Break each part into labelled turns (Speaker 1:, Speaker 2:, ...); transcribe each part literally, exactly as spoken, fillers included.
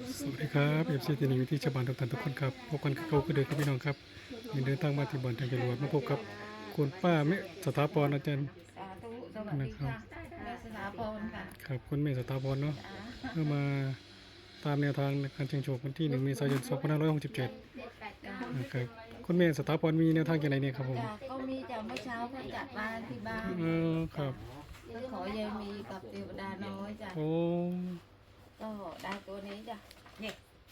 Speaker 1: สวัสดีครับเอฟซีที่นี่ที่ชาวบ้านทุกท่านทุกคนครับพบกันเขาคือเดิมครับพี่น้องครับยังเดินทางมาที่บ่อนทางจรวดมาพบกับคุณป้าเมษสถาพรอาจารย์
Speaker 2: สาธุสวัสดีค่ะแม่สถาพรค่ะ
Speaker 1: ครับคุณเมษสถาพรเนาะ
Speaker 2: จ้า
Speaker 1: เพื่อมาตามแนวทางในการเชิงโชควันที่หนึ่งเมษายนสองพันห้าร้อยหกสิบเจ็ด
Speaker 2: จ้า
Speaker 1: นะครับคุณเมษสถาพรมีแนวทางอย่างไรเนี่ยครับผม
Speaker 2: จ้าก็มีจากเมื่อเช้าก็จัดบ้านที่บ้าน
Speaker 1: เออครับ
Speaker 2: ก็ขอยายมีกับเทวดาน้อยจ้ะ
Speaker 1: โอ้
Speaker 2: ก็ได้ตัวนี้จ้ะเนี่ย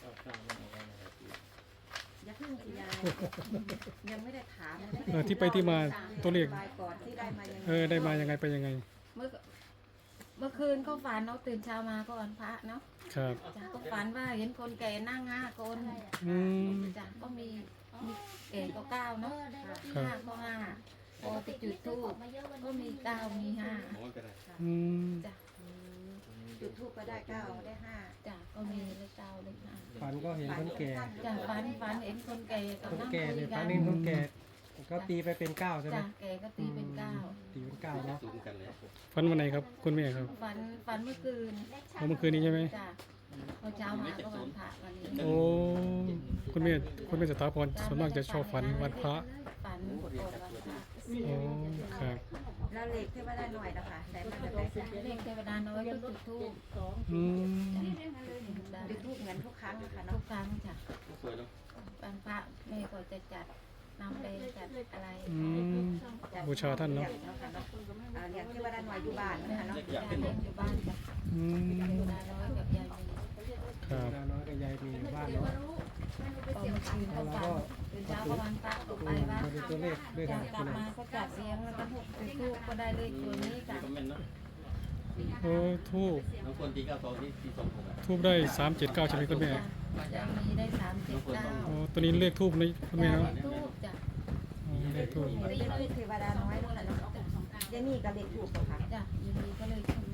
Speaker 2: อย่าเพิ่งสิยายยังไม่ได้ถามเลย
Speaker 1: เออที่ไปที่มาตัวเลข
Speaker 2: บายก่อนที่ได้มายังไง
Speaker 1: เออได้มายังไงไปยังไง
Speaker 2: เมื่อเมื่อคืนก็ฝันเนาะตื่นเช้ามาก็วันพระเนาะ
Speaker 1: ครับ
Speaker 2: จ้ะก็ฝันว่าเห็นคนแก่นั่งห้าคน
Speaker 1: อืม
Speaker 2: จ้ะก็มีมีแก่ก็เก้าเนาะ
Speaker 1: ครับ
Speaker 2: ห้าก็ห้าพอติดจุดทูบก็มีเก้ามีห้า
Speaker 1: อืม
Speaker 2: จ้ะ
Speaker 3: จุดทูปก็ได้เก้าได้ห้า
Speaker 2: จ้ะก็มีเลขเก้าเลขห้า
Speaker 4: ฝันก็เห็นคนแก่
Speaker 2: จ้ะฝันฝันเห็นคนแก่กับ
Speaker 4: คน
Speaker 2: นั่ง
Speaker 4: แก่
Speaker 2: คุ
Speaker 4: เนี่ย ย
Speaker 2: กั
Speaker 4: ฝัน
Speaker 2: น
Speaker 4: เห็นคนแก่ก็ตีไปเป็นเก้าใช่ไหม
Speaker 2: จ้ะแก่ก็ตีเป็นเก้า
Speaker 4: ตีเป็นเก้าเนาะ
Speaker 1: ฝันวันไหนครับคุณเมษครับ
Speaker 2: ฝันฝันเมื่อคืน
Speaker 1: เอาเมื่อคืนนี้ใช่ไหม
Speaker 2: จ้ะพอเช้ามาก็วันพระวันนี้
Speaker 1: โอ้คุณเมธคุณเมธสถาพรส่วนมากจะชอบฝันวันพระ
Speaker 2: ฝันก่อนวันพระ
Speaker 1: โอ้ครับ
Speaker 3: แล้วเลขที่ว่าได้หน่อยนะคะได้มาจากไหนคะ
Speaker 2: เลขเทวดาน้อยก็จุดทูบ
Speaker 1: อืม
Speaker 3: จุดทูปเหมือนทุกครั้งนะคะ
Speaker 2: ทุ
Speaker 3: เนาะ
Speaker 2: กครั้งจ้ะวันพระแม่ก็จะจัดนำไปจัดอะไร
Speaker 1: อืมบูชาท่านเนาะ
Speaker 3: เลี้ยงเนาะค่ะเนาะอ่าเลี้ยงที่ว่าได้หน่อยอยู่บ้านนะคะเนาะ
Speaker 2: จ้ะเลี้ยงอยู่บ้านจ้ะ
Speaker 1: อืม
Speaker 2: เทวดาน้อยกับยายมี
Speaker 1: ครับ
Speaker 4: ดาน้อยกับยายมีอยู่บ้านเนาะ
Speaker 2: ตอนคืนก็ฝันตื่นเช้าก็วันพระก็ไปวัด
Speaker 4: มาดูตัวเลขด้วย
Speaker 2: จา
Speaker 4: กั
Speaker 2: ก
Speaker 4: น
Speaker 2: กลับมาก็จัดเลี้ยงแล้วก็จุดทูบก็ได้เลขตัวนี้จ้ะ
Speaker 1: โอ้ทูบ
Speaker 5: น้องคนตีเก้าสองที่ที่สองหกอ่ะ
Speaker 1: ทูบได้สามเจ็ดเก้าใช่ไหมคุณแม่
Speaker 2: จะมีได้สามเจ็ดเก้า
Speaker 1: โอ้ตัวนี้เลขทูบนี่คุณแม่
Speaker 2: จ้ะ
Speaker 1: เนาะ
Speaker 2: ทูบจ้ะ
Speaker 1: อ๋อเลขทูบ
Speaker 3: เลขทูปเทวดาน้อยนะคะเนาะยายนี่กับเลขทูปเหรอคะ
Speaker 2: จ้ะยินดีก็เลยทูบ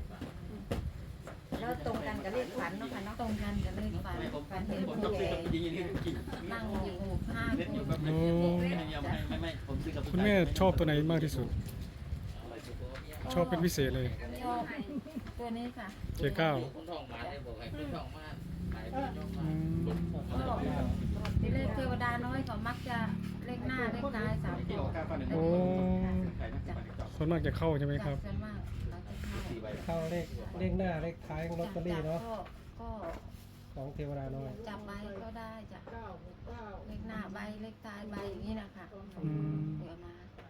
Speaker 3: แล้วตรงกันกับเลขฝันเนาะค่ะเนาะ
Speaker 2: ตรงกันกับเลขฝัน
Speaker 5: ไม่ผม
Speaker 2: ฝันเห็น
Speaker 5: ผม
Speaker 2: คน
Speaker 5: ต้องซื้อ
Speaker 2: แก่
Speaker 5: กับยิงยิงยิงยิง
Speaker 2: นั่งอยู่ห้า
Speaker 5: เล่น
Speaker 2: ค
Speaker 5: อยู่
Speaker 2: น
Speaker 5: แบบไม่ไม่ไม่ไม่ผมซื้อกับ
Speaker 1: คุณแม่ชอบตัวไหนมากที่สุด ชอบเป็นพิเศษเลย
Speaker 2: ชอบตัวนี้ค่ะ
Speaker 1: เจ็ดเก้า
Speaker 5: คุณทองมาได้บอกให้คุณทองมาขาย
Speaker 1: อืม
Speaker 2: ก็เลขเทวดาน้อยเขามักจะเลขหน้าเลขท้ายสามตัว
Speaker 1: โอ้ส่วนมากจะเข้าใช่ไหมครับ
Speaker 2: ส่วนมากเราจะเข้า
Speaker 5: สี่ใบ
Speaker 4: เข้าเลขเลขหน้าเลขท้ายของลอตเตอรี่เนาะ
Speaker 2: ก็ก็
Speaker 4: ของเทวดาน้อย
Speaker 2: จับใบก็ได้จ้ะเลขหน้าใบเลขท้ายใบอย่างนี้นะคะ
Speaker 1: อืม
Speaker 2: เดี๋ยวมา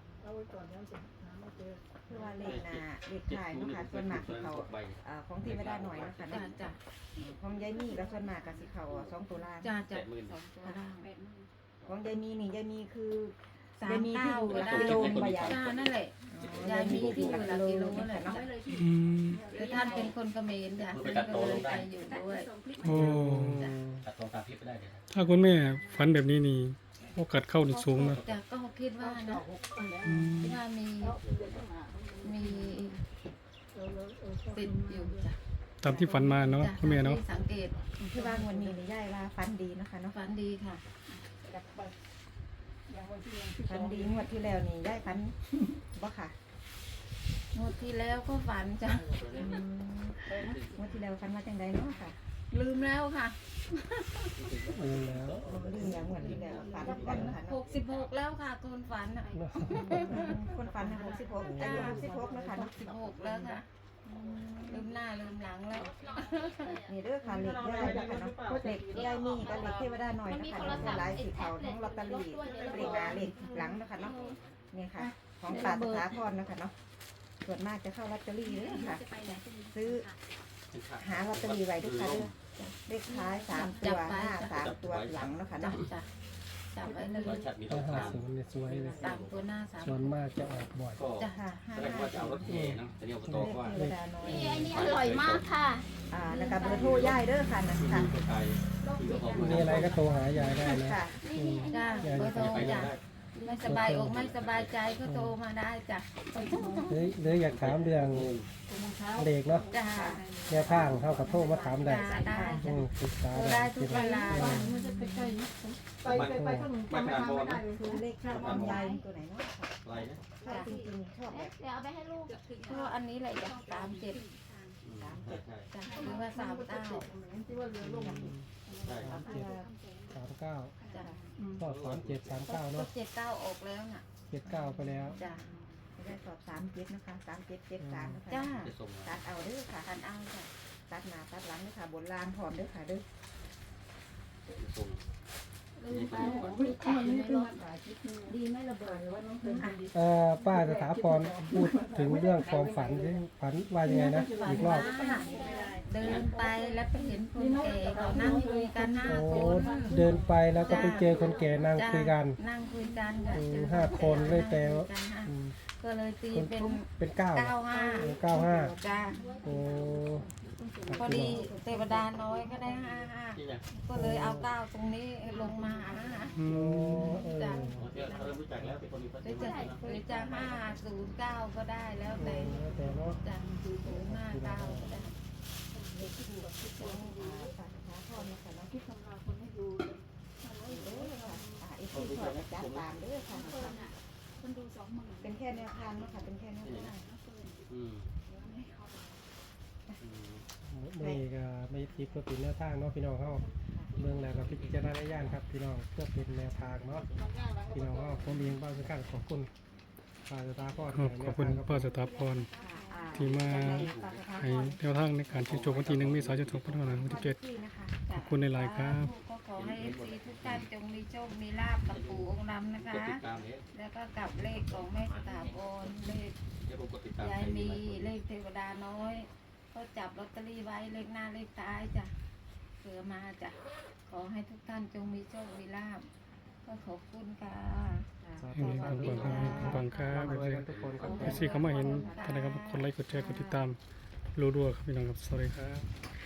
Speaker 3: คือว่าเลขหน้าเลขท้ายเนาะค่ะส่วนมากสิเขาอ่าของเทวดาหน่อยเนาะค่ะ
Speaker 2: จ้ะ
Speaker 3: เนาะ
Speaker 2: จ้ะ
Speaker 3: ของยายนี่ก็ส่วนมากกับสิเขาสองตัวล่าง
Speaker 2: จ้ะจ้ะสองตัวล่าง
Speaker 3: ของยายมีนี่ยายมีคือ
Speaker 2: สามเก้าก็ได้
Speaker 3: กิโลนึงบ่ยาย
Speaker 2: จ้านั่นแหละยายมีที่อยู่หลักกิโลนั่นแหละจ้ะ
Speaker 1: อืม
Speaker 2: คือท่านเป็นคนเขมรจ้ะท่านก็เลยไปอยู่ด้วย
Speaker 1: โอ้
Speaker 5: ตัดตรงตามพิษไปได้เลย
Speaker 1: ถ้าคุณแม่ฝันแบบนี้นี่โอกาสเข้านี่สูงนะ
Speaker 2: จ้ะก็คิดว่านะ
Speaker 1: อืม
Speaker 2: คิดว่ามีมีติดอยู่จ้ะ
Speaker 1: ตามที่ฝันมาเนาะ
Speaker 2: จ้ะ
Speaker 1: คุณแม่เนาะ
Speaker 2: ที่สังเกต
Speaker 3: คือว่างวันนี้นี่ยายว่าฟันดีเนาะคะเนาะ
Speaker 2: ฝันดีค่ะ
Speaker 3: ฟันดีงวดที่แล้วนี่ยายฟันบ่ค่ะ
Speaker 2: งวดที่แล้วก็ฝันจ้ะ
Speaker 3: อืมงวดที่แล้วฟันว่าจังไดเนาะค่ะ
Speaker 2: ลืมแล้วค่ะ
Speaker 4: อืมแล้ว
Speaker 3: ลืมอย่างงวดที่แล้วฟันฟันค่ะ
Speaker 2: ห
Speaker 3: เนาะ
Speaker 2: กสิบหกแล้วค่ะคนฝันอ่ะ
Speaker 3: คนฟันหกสิบหกอายุหกสิบหกเนาะคะ
Speaker 2: ห
Speaker 3: เนาะ
Speaker 2: กสิบหกแล้วค่ะลืมหน้าลืมหลังแล้ว
Speaker 3: นี่เด้อค่ะเหล็กยายนะคะเนาะเหล็กยายมีกับเหล็กเทวดาหน่อยนะคะเนาะหลายสีเขาทั้งลอตเตอรี่เหล็กหน้าเหล็กหลังนะคะเนาะนี่ค่ะ ของตาสถาพรนะคะเนาะส่วนมากจะเข้าลอตเตอรี่เลยค่ะ ซื้อหาลอตเตอรี่ไว้ด้วยค่ะเด้อเลขท้ายสามตัวหน้าสามตัวหลังเนาะค่ะ
Speaker 2: จั
Speaker 3: เนาะ
Speaker 2: บจ้ะจับไว้เลย
Speaker 5: ร้อยชัดมีตร
Speaker 4: ถ้าง หาก
Speaker 5: ลาง
Speaker 4: ศูนย์เนี่ยสวยเลย
Speaker 2: สามตัวหน้าสาม
Speaker 4: ส่วนมากจะออกบ่อย
Speaker 5: ก็
Speaker 2: จ้ะ
Speaker 3: ค่ะห้า
Speaker 5: แสดงว่าจะเอารถแห่นะแต่เนี่ยอบต
Speaker 3: เลข
Speaker 5: ว่า
Speaker 3: เทวดาน้อย
Speaker 6: อันนี้อร่อยมากค่ะ
Speaker 3: อ่าแล้วก็เบอร์โทรย่ายเด้อค่ะนะค่ะ
Speaker 5: ไทยที่ก็พอ
Speaker 4: มีอะไรก็โทรหายายได้นะ
Speaker 3: ค่ะ
Speaker 4: อืม
Speaker 2: จ้ะเบอร์โทรจ้ะไม่สบายอกไม่สบายใจก็โทรมาได้จ้ะ
Speaker 4: หรือหรืออยากถามเรื่องเลขเนาะ
Speaker 2: จ้ะ
Speaker 4: แนวทางเข้ากับโทรมาถามได้
Speaker 2: จ้ะได้
Speaker 4: อื
Speaker 2: จ้ะ
Speaker 4: มปรึกษา
Speaker 2: โทร
Speaker 4: ได้
Speaker 2: ได้ทุกเวลา
Speaker 5: ไปไปไปข้างมาขนาดบอลนะ
Speaker 3: คือเลขชอบของยายตัวไหนเนาะ
Speaker 5: อะไรนะ
Speaker 3: ชอบจริงๆชอบแบบ
Speaker 6: เดี๋ยวเอาไปให้ลูก
Speaker 2: ก็อันนี้แหละจ้ะสามเจ็ด
Speaker 5: ใช่ใช่
Speaker 2: จ้ะหรือว่าสามเก้า
Speaker 5: ที่ว่าเรือลง
Speaker 4: สามเจ็ดสามเก้า
Speaker 2: จ้ะ
Speaker 4: ก็สามเจ็ดสามเก้า
Speaker 2: ก็
Speaker 4: เนาะ
Speaker 2: เจ็ดเก้าออกแล้วน่ะ
Speaker 4: เจ็ดเก้าไปแล้ว
Speaker 2: จ้ะ
Speaker 3: จะได้สอบสามเจ็ดนะคะสามเจ็ดเจ็ดสามนะคะ
Speaker 2: จ้า
Speaker 3: ตัดเอาเด้อค่ะ
Speaker 2: ทันเอาจ้ะ
Speaker 3: ตัดหน้าตัดหลังเด้อค่ะบนลานพร้อมเด้อค่ะเด้อ
Speaker 2: ดีไม่ระเบิดว่าน้องเป็นคนดี
Speaker 4: เอ่อป้าสถาพรพูดถึงเรื่องความฝันที่ฝันว่ายังไงนะอีกรอบ
Speaker 2: เดินไปแล้วไปเห็นคนแก่เขานั่งคุยกันห้า
Speaker 4: โอ้
Speaker 2: คน
Speaker 4: เดินไปแล้วก็ไปเจอคนแก่นั่งคุยกัน
Speaker 2: นั่งคุยกันค่ะ
Speaker 4: อืม
Speaker 2: เจอ
Speaker 4: ห้าคนเลยแต่ว่า
Speaker 2: นั่งคุยกันห้า
Speaker 4: อืม
Speaker 2: ก็เลยตี
Speaker 4: คน
Speaker 2: เป็น
Speaker 4: เป็นเก้า
Speaker 2: เก้าห้า
Speaker 4: เก้าห้า
Speaker 2: จ้า
Speaker 4: โอ้
Speaker 2: พอดีเทวดาน้อยก็ได้ห้าห้าก็เลยเอาเก้าตรงนี้ลงมาหา
Speaker 1: อื
Speaker 4: โอ้
Speaker 1: ม
Speaker 4: เออ
Speaker 2: จ้ะ
Speaker 6: เรารู้จักแล้วเป็นคนมีพระ
Speaker 2: หรือจะหรือจะห้าศูนย์เก้าก็ได้แล้วแต่
Speaker 4: แล้วแต่เนาะ
Speaker 2: จ้ะศูนย์ห้าเก้าก็ได้
Speaker 3: ตัดขาพร้อมนะคะเนาะที่ทำงานคนให้ดูเด้อค่ะอ่าไอ้ที่ถอดจัดตามเด้อค่ะเป็นแค่แนวทางเนาะค่ะเป็นแค่แนวทาง
Speaker 6: อืม
Speaker 4: ไม่ก็ไม่ทิปก็เป็นแนวทางเนาะพี่น้องเขาเมืองแล้วก็พิจารณญาณครับพี่น้องเพื่อเป็นแนวทางเนาะพี่น้องเขาผมเองบ้างสักครั้งขอบคุณป้าสตาร์พ่อ
Speaker 1: ครับขอบคุณป้าสถาพร ที่มา ให้แนวทางในการชิงโชควันที่หนึ่งเมษายนสองพันห้าร้อยหกสิบเจ็ด ขอบคุณในไลน์ครับ
Speaker 2: ก็ขอให้เอฟซีทุกท่านจงมีโชค มีลาบกับปู่องค์ดำนะคะ
Speaker 6: กดติดตามนี้
Speaker 2: แล้วก็กับเลขของแม่สถาพรเลข
Speaker 6: เดี๋ยวผมกดติดตาม
Speaker 2: ยาย
Speaker 6: ให้
Speaker 2: มี
Speaker 6: ดี
Speaker 2: เลขเทวดาน้อย ก็จับลอตเตอรี่ไว้เลขหน้าเลขท้ายจ้ะเผื่อมาจ้ะขอให้ทุกท่านจงมีโชค มีลาบก็ขอบคุณค่ะ
Speaker 1: ให้มีความปังครับมีความปังครับเอฟซี
Speaker 4: ทุกคนครับ
Speaker 1: เอฟซีเขามาเห็นท่านนะครับคนไลค์กดแชร์กดติดตามรัวๆครับพี่น้องครับสวัสดีครับ